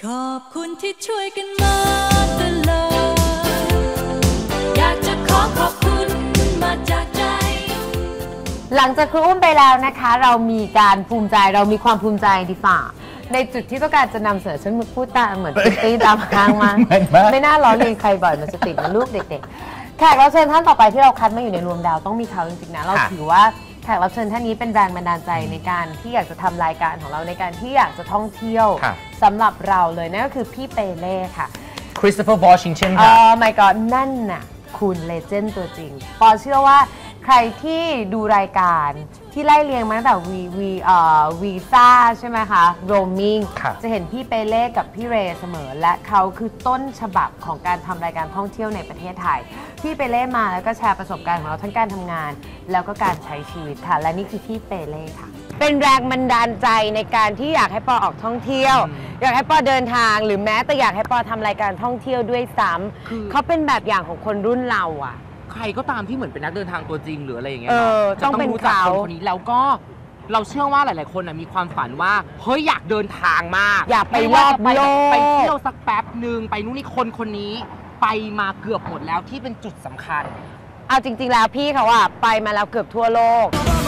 ขอบคุณที่ช่วยกันมาตลอดอยากจะขอบคุณมาจากใจหลังจากครูอุ้มไปแล้วนะคะเรามีการภูมิใจเรามีความภูมิใจดีฝ่าในจุดที่ต้องการจะนำเสนอฉันพูดตามเหมือนตีตามข้างมาไม่น่าล้อเลียนใครบ่อยมันจะติดมันลูกเด็กๆแขกรับเชิญท่านต่อไปที่เราคัดมาอยู่ในรวมดาวต้องมีเขาจริงๆนะเราถือว่าแขกรับเชิญท่านนี้เป็นแรงบันดาลใจในการที่อยากจะทำรายการของเราในการที่อยากจะท่องเที่ยวสำหรับเราเลยนั่นก็คือพี่เปเล่ค่ะคริสโตเฟอร์ วอชิงตันค่ะ my god นั่นน่ะคุณเลเจนด์ตัวจริงปอเชื่อว่าใครที่ดูรายการที่ไล่เรียงมาตั้งแต่วีซ่าใช่ไหมคะโรมมิ่งจะเห็นพี่เปเล่กับพี่เรย์เสมอและเขาคือต้นฉบับของการทำรายการท่องเที่ยวในประเทศไทยพี่เปเล่มาแล้วก็แชร์ประสบการณ์ของเราทั้งการทำงานแล้วก็การใช้ชีวิตค่ะและนี่คือพี่เปเล่ค่ะเป็นแรงบันดาลใจในการที่อยากให้ปอออกท่องเที่ยวอยากให้ปอเดินทางหรือแม้แต่อยากให้ปอทำรายการท่องเที่ยวด้วยซ้ำเขาเป็นแบบอย่างของคนรุ่นเราอะใครก็ตามที่เหมือนเป็นนักเดินทางตัวจริงหรืออะไรอย่างเงี้ยจะต้องรู้จักคนนี้แล้วก็เราเชื่อว่าหลายๆคนมีความฝันว่าเฮ้ยอยากเดินทางมากอยากไปรอบโลกไปเที่ยวสักแป๊บหนึ่งไปนู่นนี่คนนี้ไปมาเกือบหมดแล้วที่เป็นจุดสำคัญเอาจริงๆแล้วพี่เขาไปมาแล้วเกือบทั่วโลก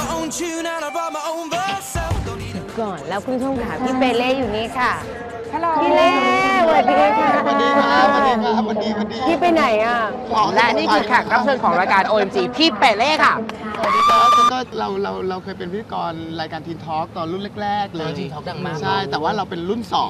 ก่อนแล้วคุณผู้ชมค่ะพี่เปเล่อยู่นี่ค่ะพี่เล่สวัสดีค่ะสวัสดีครับสวัสดีครับสวัสดีพี่ไปไหนอ่ะและนี่คือแขกรับเชิญของรายการ OMG พี่เปเล่ค่ะสวัสดีครับก็เราเคยเป็นพิธีกรรายการทีนทอล์กตอนรุ่นแรกๆเลยทีนทอล์กดังมากใช่แต่ว่าเราเป็นรุ่น2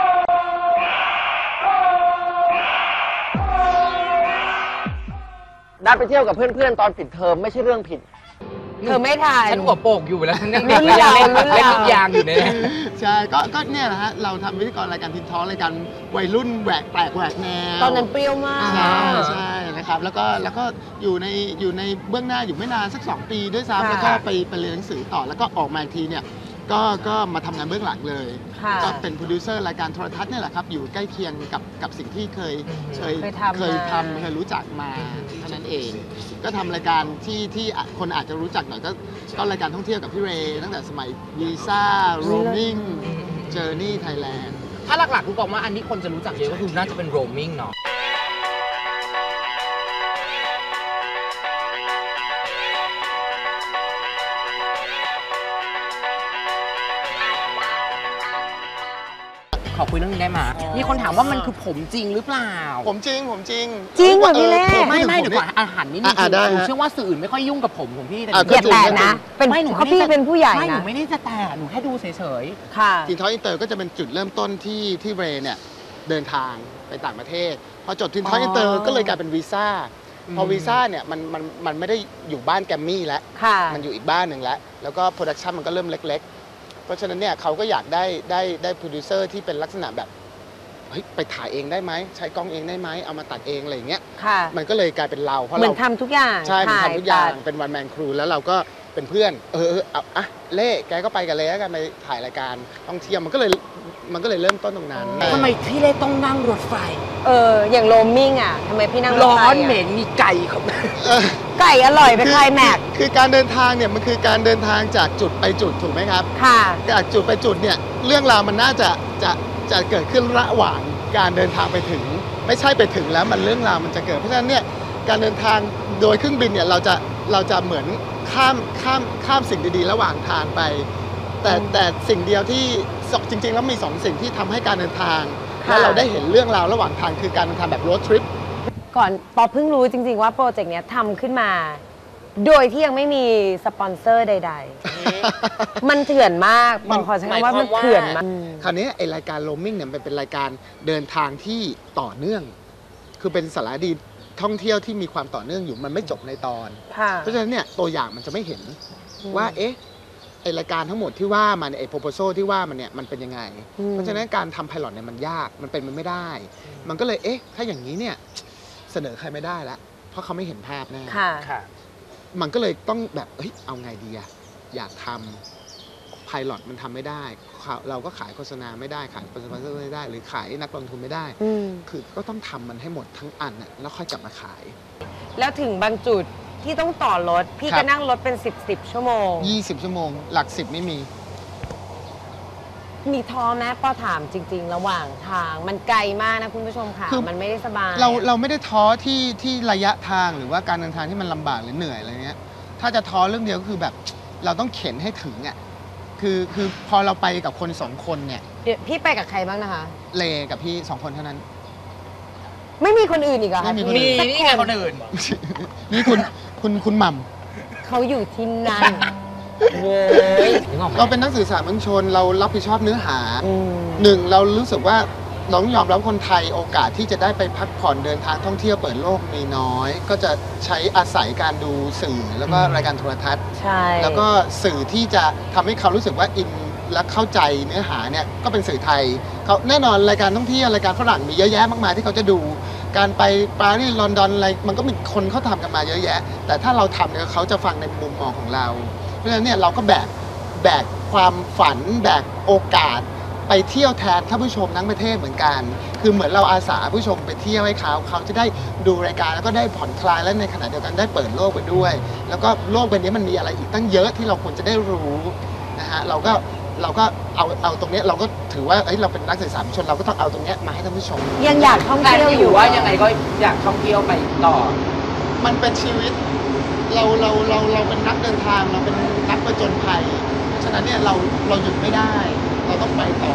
ได้ไปเที่ยวกับเพื่อนๆตอนปิดเทอมไม่ใช่เรื่องผิดเธอไม่ถ่ายฉันหัวโปกอยู่แล้วฉันยังเด็กแล้วเล่นลูกยางอยู่เนี่ยใช่ก็เนี่ยแหละฮะเราทำพิธีกรรายการทีนทอล์กรายการวัยรุ่นแหวกแปลกแหวกแนวตอนนั้นเปรี้ยวมากใช่นะครับแล้วก็อยู่ในเบื้องหน้าอยู่ไม่นานสัก2 ปีด้วยซ้ำแล้วก็ไปเรียนหนังสือต่อแล้วก็ออกมาอีกทีเนี่ยก็มาทำงานเบื้องหลังเลยก็เป็นโปรดิวเซอร์รายการโทรทัศน์เนี่ยแหละครับอยู่ใกล้เคียงกับสิ่งที่เคยรู้จักมาเท่านั้นเองก็ทำรายการที่คนอาจจะรู้จักหน่อยก็รายการท่องเที่ยวกับพี่เรย์ตั้งแต่สมัยวีซ่าโรมมิ่งเจอร์นี่ไทยแลนด์ถ้าหลักๆคุณบอกว่าอันนี้คนจะรู้จักเยอะก็คือน่าจะเป็นโรมมิ่งเนาะขอคุยเรื่องนี้ได้ไหมมีคนถามว่ามันคือผมจริงหรือเปล่าผมจริงจริงเหรอพี่เล่ไม่เดี๋ยวก่อนอาหารนิดนึงหนูเชื่อว่าสื่ออื่นไม่ค่อยยุ่งกับผมของพี่แต่นะเป็นเขาพี่เป็นผู้ใหญ่นะหนูไม่ได้จะแต่หนูแค่ดูเฉยๆค่ะทีนทอล์กอินเตอร์ก็จะเป็นจุดเริ่มต้นที่เรย์เนี่ยเดินทางไปต่างประเทศพอจดทีนทอล์กอินเตอร์ก็เลยกลายเป็นวีซ่าพอวีซ่าเนี่ยมันไม่ได้อยู่บ้านแกมมี่แล้วมันอยู่อีกบ้านหนึ่งแล้วก็โปรดักชันมันก็เริ่มเล็กเพราะฉะนั้นเนี่ยเขาก็อยากได้โปรดิวเซอร์ที่เป็นลักษณะแบบเฮ้ยไปถ่ายเองได้ไหมใช้กล้องเองได้ไหมเอามาตัดเองอะไรอย่างเงี้ยมันก็เลยกลายเป็นเราเพราะเราทำทุกอย่างใช่ทำทุกอย่างเป็นวันแมนครูแล้วเราก็เป็นเพื่อนเอาเล่แกก็ไปกันเลยแล้วกันไปถ่ายรายการท่องเที่ยวมันก็เลยเริ่มต้นตรงนั้นทำไมพี่เล่ต้องนั่งรถไฟอย่างโรมมิ่งทำไมพี่นั่งรถไฟร้อนเหม็นมีไก่ครับไก่อร่อยไปคลายแม็กคือการเดินทางเนี่ยมันคือการเดินทางจากจุดไปจุดถูกไหมครับค่ะจากจุดไปจุดเนี่ยเรื่องราวมันน่าจะเกิดขึ้นระหว่างการเดินทางไปถึงไม่ใช่ไปถึงแล้วมันเรื่องราวมันจะเกิดเพราะฉะนั้นเนี่ยการเดินทางโดยเครื่องบินเนี่ยเราจะเหมือนข้ามสิ่งดีๆระหว่างทางไปแต่สิ่งเดียวที่จริงๆแล้วมี2 สิ่งที่ทำให้การเดินทางและเราได้เห็นเรื่องราวระหว่างทางคือการเดินทางแบบโรดทริปก่อนปอเพิ่งรู้จริงๆว่าโปรเจกต์นี้ทำขึ้นมาโดยที่ยังไม่มีสปอนเซอร์ใดๆมันเถื่อนมากมันขอใช้คำว่ามันเถื่อนมากคราวนี้ไอรายการโรมมิ่งเนี่ยมันเป็นรายการเดินทางที่ต่อเนื่องคือเป็นสารคดีท่องเที่ยวที่มีความต่อเนื่องอยู่มันไม่จบในตอนเพราะฉะนั้นเนี่ยตัวอย่างมันจะไม่เห็นว่าไอรายการทั้งหมดที่ว่ามันไอโปรโพโซที่ว่ามันเนี่ยมันเป็นยังไงเพราะฉะนั้นการทำไพลอตเนี่ยมันยากมันเป็นมันไม่ได้มันก็เลยถ้าอย่างนี้เนี่ยเสนอใครไม่ได้แล้วเพราะเขาไม่เห็นภาพแน่มันก็เลยต้องแบบเอาไงดีอยากทำไพลอตมันทำไม่ได้เราก็ขายโฆษณาไม่ได้ขายสปอนเซอร์ไม่ได้หรือขายนักลงทุนไม่ได้คือก็ต้องทำมันให้หมดทั้งอันแล้วค่อยกลับมาขายแล้วถึงบางจุดที่ต้องต่อรถพี่ก็นั่งรถเป็น10 ชั่วโมง 20 ชั่วโมงหลัก10ไม่มีมีท้อไหมปอถามจริงๆระหว่างทางมันไกลมากนะคุณผู้ชมค่ะมันไม่ได้สบายเราไม่ได้ท้อที่ระยะทางหรือว่าการเดินทางที่มันลำบากหรือเหนื่อยอะไรเงี้ยถ้าจะท้อเรื่องเดียวก็คือแบบเราต้องเข็นให้ถึงอ่ะคือพอเราไปกับคน2 คนเนี่ยพี่ไปกับใครบ้างนะคะเลกับพี่2 คนเท่านั้นไม่มีคนอื่นอีกเหรอคะมีนี่ไงคนอื่นนี่คุณหม่ำเขาอยู่ที่นั่นเราเป็นนักสื่อสารมวลชนเรารับผิดชอบเนื้อหาหนึ่งเรารู้สึกว่าน้องยอมรับคนไทยโอกาสที่จะได้ไปพักผ่อนเดินทางท่องเที่ยวเปิดโลกมีน้อยก็จะใช้อาศัยการดูสื่อแล้วก็รายการโทรทัศน์แล้วก็สื่อที่จะทำให้เขารู้สึกว่าอินและเข้าใจเนื้อหาเนี่ยก็เป็นสื่อไทยเขาแน่นอนรายการท่องเที่ยวรายการฝรั่งมีเยอะแยะมากมายที่เขาจะดูการไปปารีสลอนดอนอะไรมันก็มีคนเขาทำกันมาเยอะแยะแต่ถ้าเราทำเนี่ยเขาจะฟังในมุมมองของเราเพราะฉะนั้นเนี่ยเราก็แบกความฝันแบกโอกาสไปเที่ยวแทนท่านผู้ชมทั้งประเทศเหมือนกันคือเหมือนเราอาสาผู้ชมไปเที่ยวให้เขาจะได้ดูรายการแล้วก็ได้ผ่อนคลายและในขณะเดียวกันได้เปิดโลกไปด้วยแล้วก็โลกใบนี้มันมีอะไรอีกตั้งเยอะที่เราควรจะได้รู้นะฮะเราก็เอาตรงนี้เราก็ถือว่าเราเป็นนักสื่อสารมวลชนเราก็ต้องเอาตรงนี้มาให้ท่านผู้ชมยังอยากท่องเที่ยวอยู่ว่ายังไงก็อยากท่องเที่ยวไปต่อมันเป็นชีวิตเราเป็นนักเดินทางเราเป็นนักผจญภัยฉะนั้นเนี่ยเราหยุดไม่ได้เราต้องไปต่อ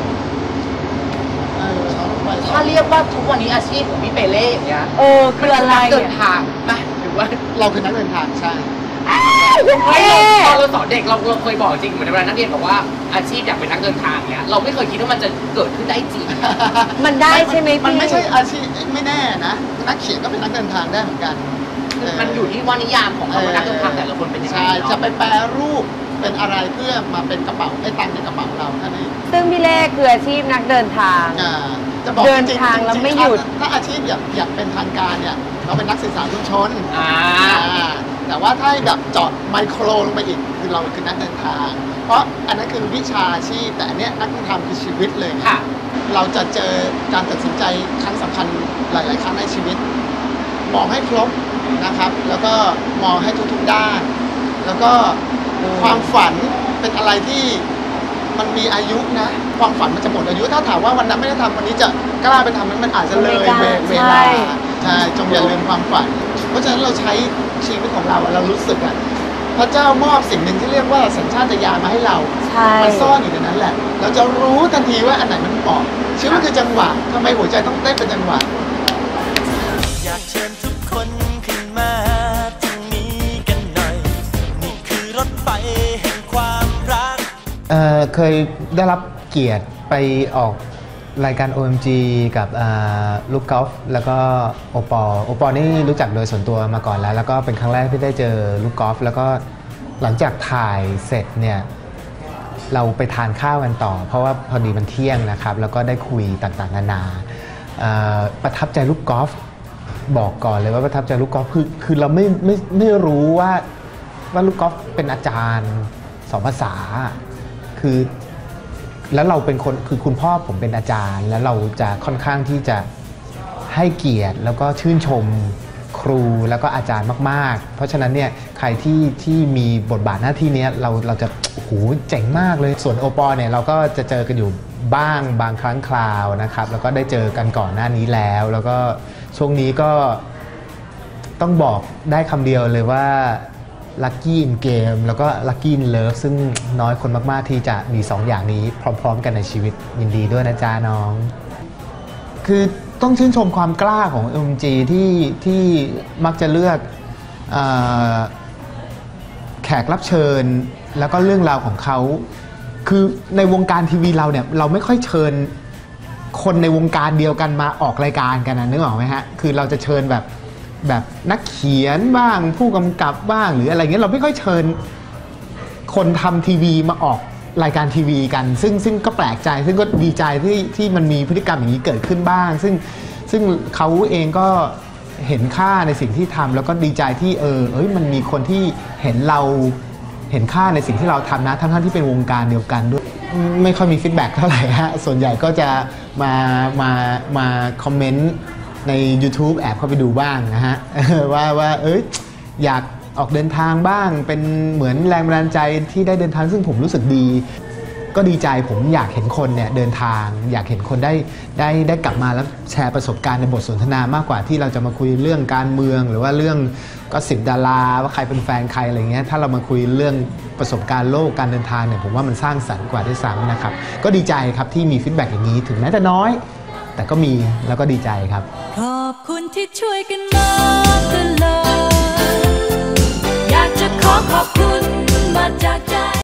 ถ้าเรียกว่าทุกวันนี้อาชีพของพี่เปเล่อย่างเงี้ยคืออะไรเดินทางไหมหรือว่าเราคือนักเดินทางใช่ตอนเราสอนเด็กเราเคยบอกจริงเหมือนเวลานักเรียนบอกว่าอาชีพอยากเป็นนักเดินทางเนี้ยเราไม่เคยคิดว่ามันจะเกิดขึ้นได้จริงมันได้ใช่ไหมมันไม่ใช่อาชีพไม่แน่นะนักเขียนก็เป็นนักเดินทางได้เหมือนกันมันอยู่ที่ว่านิยามของคำว่านักเดินทางแต่ละคนเป็นยังไงจะไปแปรรูปเป็นอะไรเพื่อมาเป็นกระเป๋าไอ้ตังในกระเป๋าเราท่านนี้ซึ่งพี่เล่คืออาชีพนักเดินทางเดินทางแล้วไม่หยุดถ้าอาชีพอยากเป็นทางการเนี่ยเราเป็นนักสื่อสารมวลชนแต่ว่าถ้าแบบเจาะไมโครลงไปอีกคือเราคือนักเดินทางเพราะอันนั้นคือวิชาชีพแต่อันเนี้ยนักเดินทางคือชีวิตเลยค่ะเราจะเจอการตัดสินใจครั้งสำคัญหลายๆครั้งในชีวิตมองให้ครบนะครับแล้วก็มองให้ทุกๆด้านแล้วก็ความฝันเป็นอะไรที่มันมีอายุนะความฝันมันจะหมดอายุถ้าถามว่าวันนั้นไม่ได้ทำวันนี้จะกล้าไปทำมันอาจจะเลยเวลาใช่จงอย่าลืมความฝันเพราะฉะนั้นเราใช้ชีวิตของเรารู้สึกอ่ะพระเจ้ามอบสิ่งหนึ่งที่เรียกว่าสัญชาตญาณมาให้เรามันซ่อนอยู่ในนั้นแหละเราจะรู้ทันทีว่าอันไหนมันเหมาะชีวิตคือจังหวะทำไมหัวใจต้องเต้นเป็นจังหวะอยากเชิญทุกคนขึ้นมาตรงนี้กันหน่อยนี่คือรถไฟแห่งความรักเคยได้รับเกียรติไปออกรายการ OMG กับลูกกอล์ฟแล้วก็โอปอนี่รู้จักโดยส่วนตัวมาก่อนแล้วก็เป็นครั้งแรกที่ได้เจอลูกกอล์ฟแล้วก็หลังจากถ่ายเสร็จเนี่ยเราไปทานข้าวกันต่อเพราะว่าพอดีมันเที่ยงนะครับแล้วก็ได้คุยต่างๆนานาประทับใจลูกกอล์ฟบอกก่อนเลยว่าประทับใจลูกกอล์ฟคือเราไม่รู้ว่าลูกกอล์ฟเป็นอาจารย์2 ภาษาคือแล้วเราเป็นคนคือคุณพ่อผมเป็นอาจารย์แล้วเราจะค่อนข้างที่จะให้เกียรติแล้วก็ชื่นชมครูแล้วก็อาจารย์มากๆเพราะฉะนั้นเนี่ยใครที่มีบทบาทหน้าที่นี้เราจะโอ้โหเจ๋งมากเลยส่วนโอปอเนี่ยเราก็จะเจอกันอยู่บ้างบางครั้งคราวนะครับแล้วก็ได้เจอกันก่อนหน้านี้แล้วก็ช่วงนี้ก็ต้องบอกได้คำเดียวเลยว่าLucky in Game แล้วก็ Lucky in Love ซึ่งน้อยคนมากๆที่จะมี2 อย่างนี้พร้อมๆกันในชีวิตยินดีด้วยนะจ๊ะน้องคือต้องชื่นชมความกล้าของ OMG ที่มักจะเลือกแขกรับเชิญแล้วก็เรื่องราวของเขาคือในวงการทีวีเราเนี่ยเราไม่ค่อยเชิญคนในวงการเดียวกันมาออกรายการกันนะนึกออกไหมฮะคือเราจะเชิญแบบนักเขียนบ้างผู้กำกับบ้างหรืออะไรเงี้ยเราไม่ค่อยเชิญคนทำทีวีมาออกรายการทีวีกันซึ่งก็แปลกใจซึ่งก็ดีใจที่มันมีพฤติกรรมอย่างนี้เกิดขึ้นบ้างซึ่งเขาเองก็เห็นค่าในสิ่งที่ทำแล้วก็ดีใจที่มันมีคนที่เห็นค่าในสิ่งที่เราทำนะทั้งที่เป็นวงการเดียวกันด้วยไม่ค่อยมีฟีดแบ็กเท่าไหร่ฮะส่วนใหญ่ก็จะมาคอมเมนต์ใน YouTube แอบเข้าไปดูบ้างนะฮะว่าอยากออกเดินทางบ้างเป็นเหมือนแรงบันดาลใจที่ได้เดินทางซึ่งผมรู้สึกดีก็ดีใจผมอยากเห็นคนเนี่ยเดินทางอยากเห็นคนได้กลับมาแล้วแชร์ประสบการณ์ในบทสนทนามากกว่าที่เราจะมาคุยเรื่องการเมืองหรือว่าเรื่องก็10 ดาราว่าใครเป็นแฟนใครอะไรเงี้ยถ้าเรามาคุยเรื่องประสบการณ์โลกการเดินทางเนี่ยผมว่ามันสร้างสรรค์กว่าด้วยซ้ำนะครับก็ดีใจครับที่มีฟีดแบ็กอย่างนี้ถึงแม้จะน้อยแต่ก็มีแล้วก็ดีใจครับขอบคุณที่ช่วยกันมาตลอดอยากจะขอบคุณมาจากใจ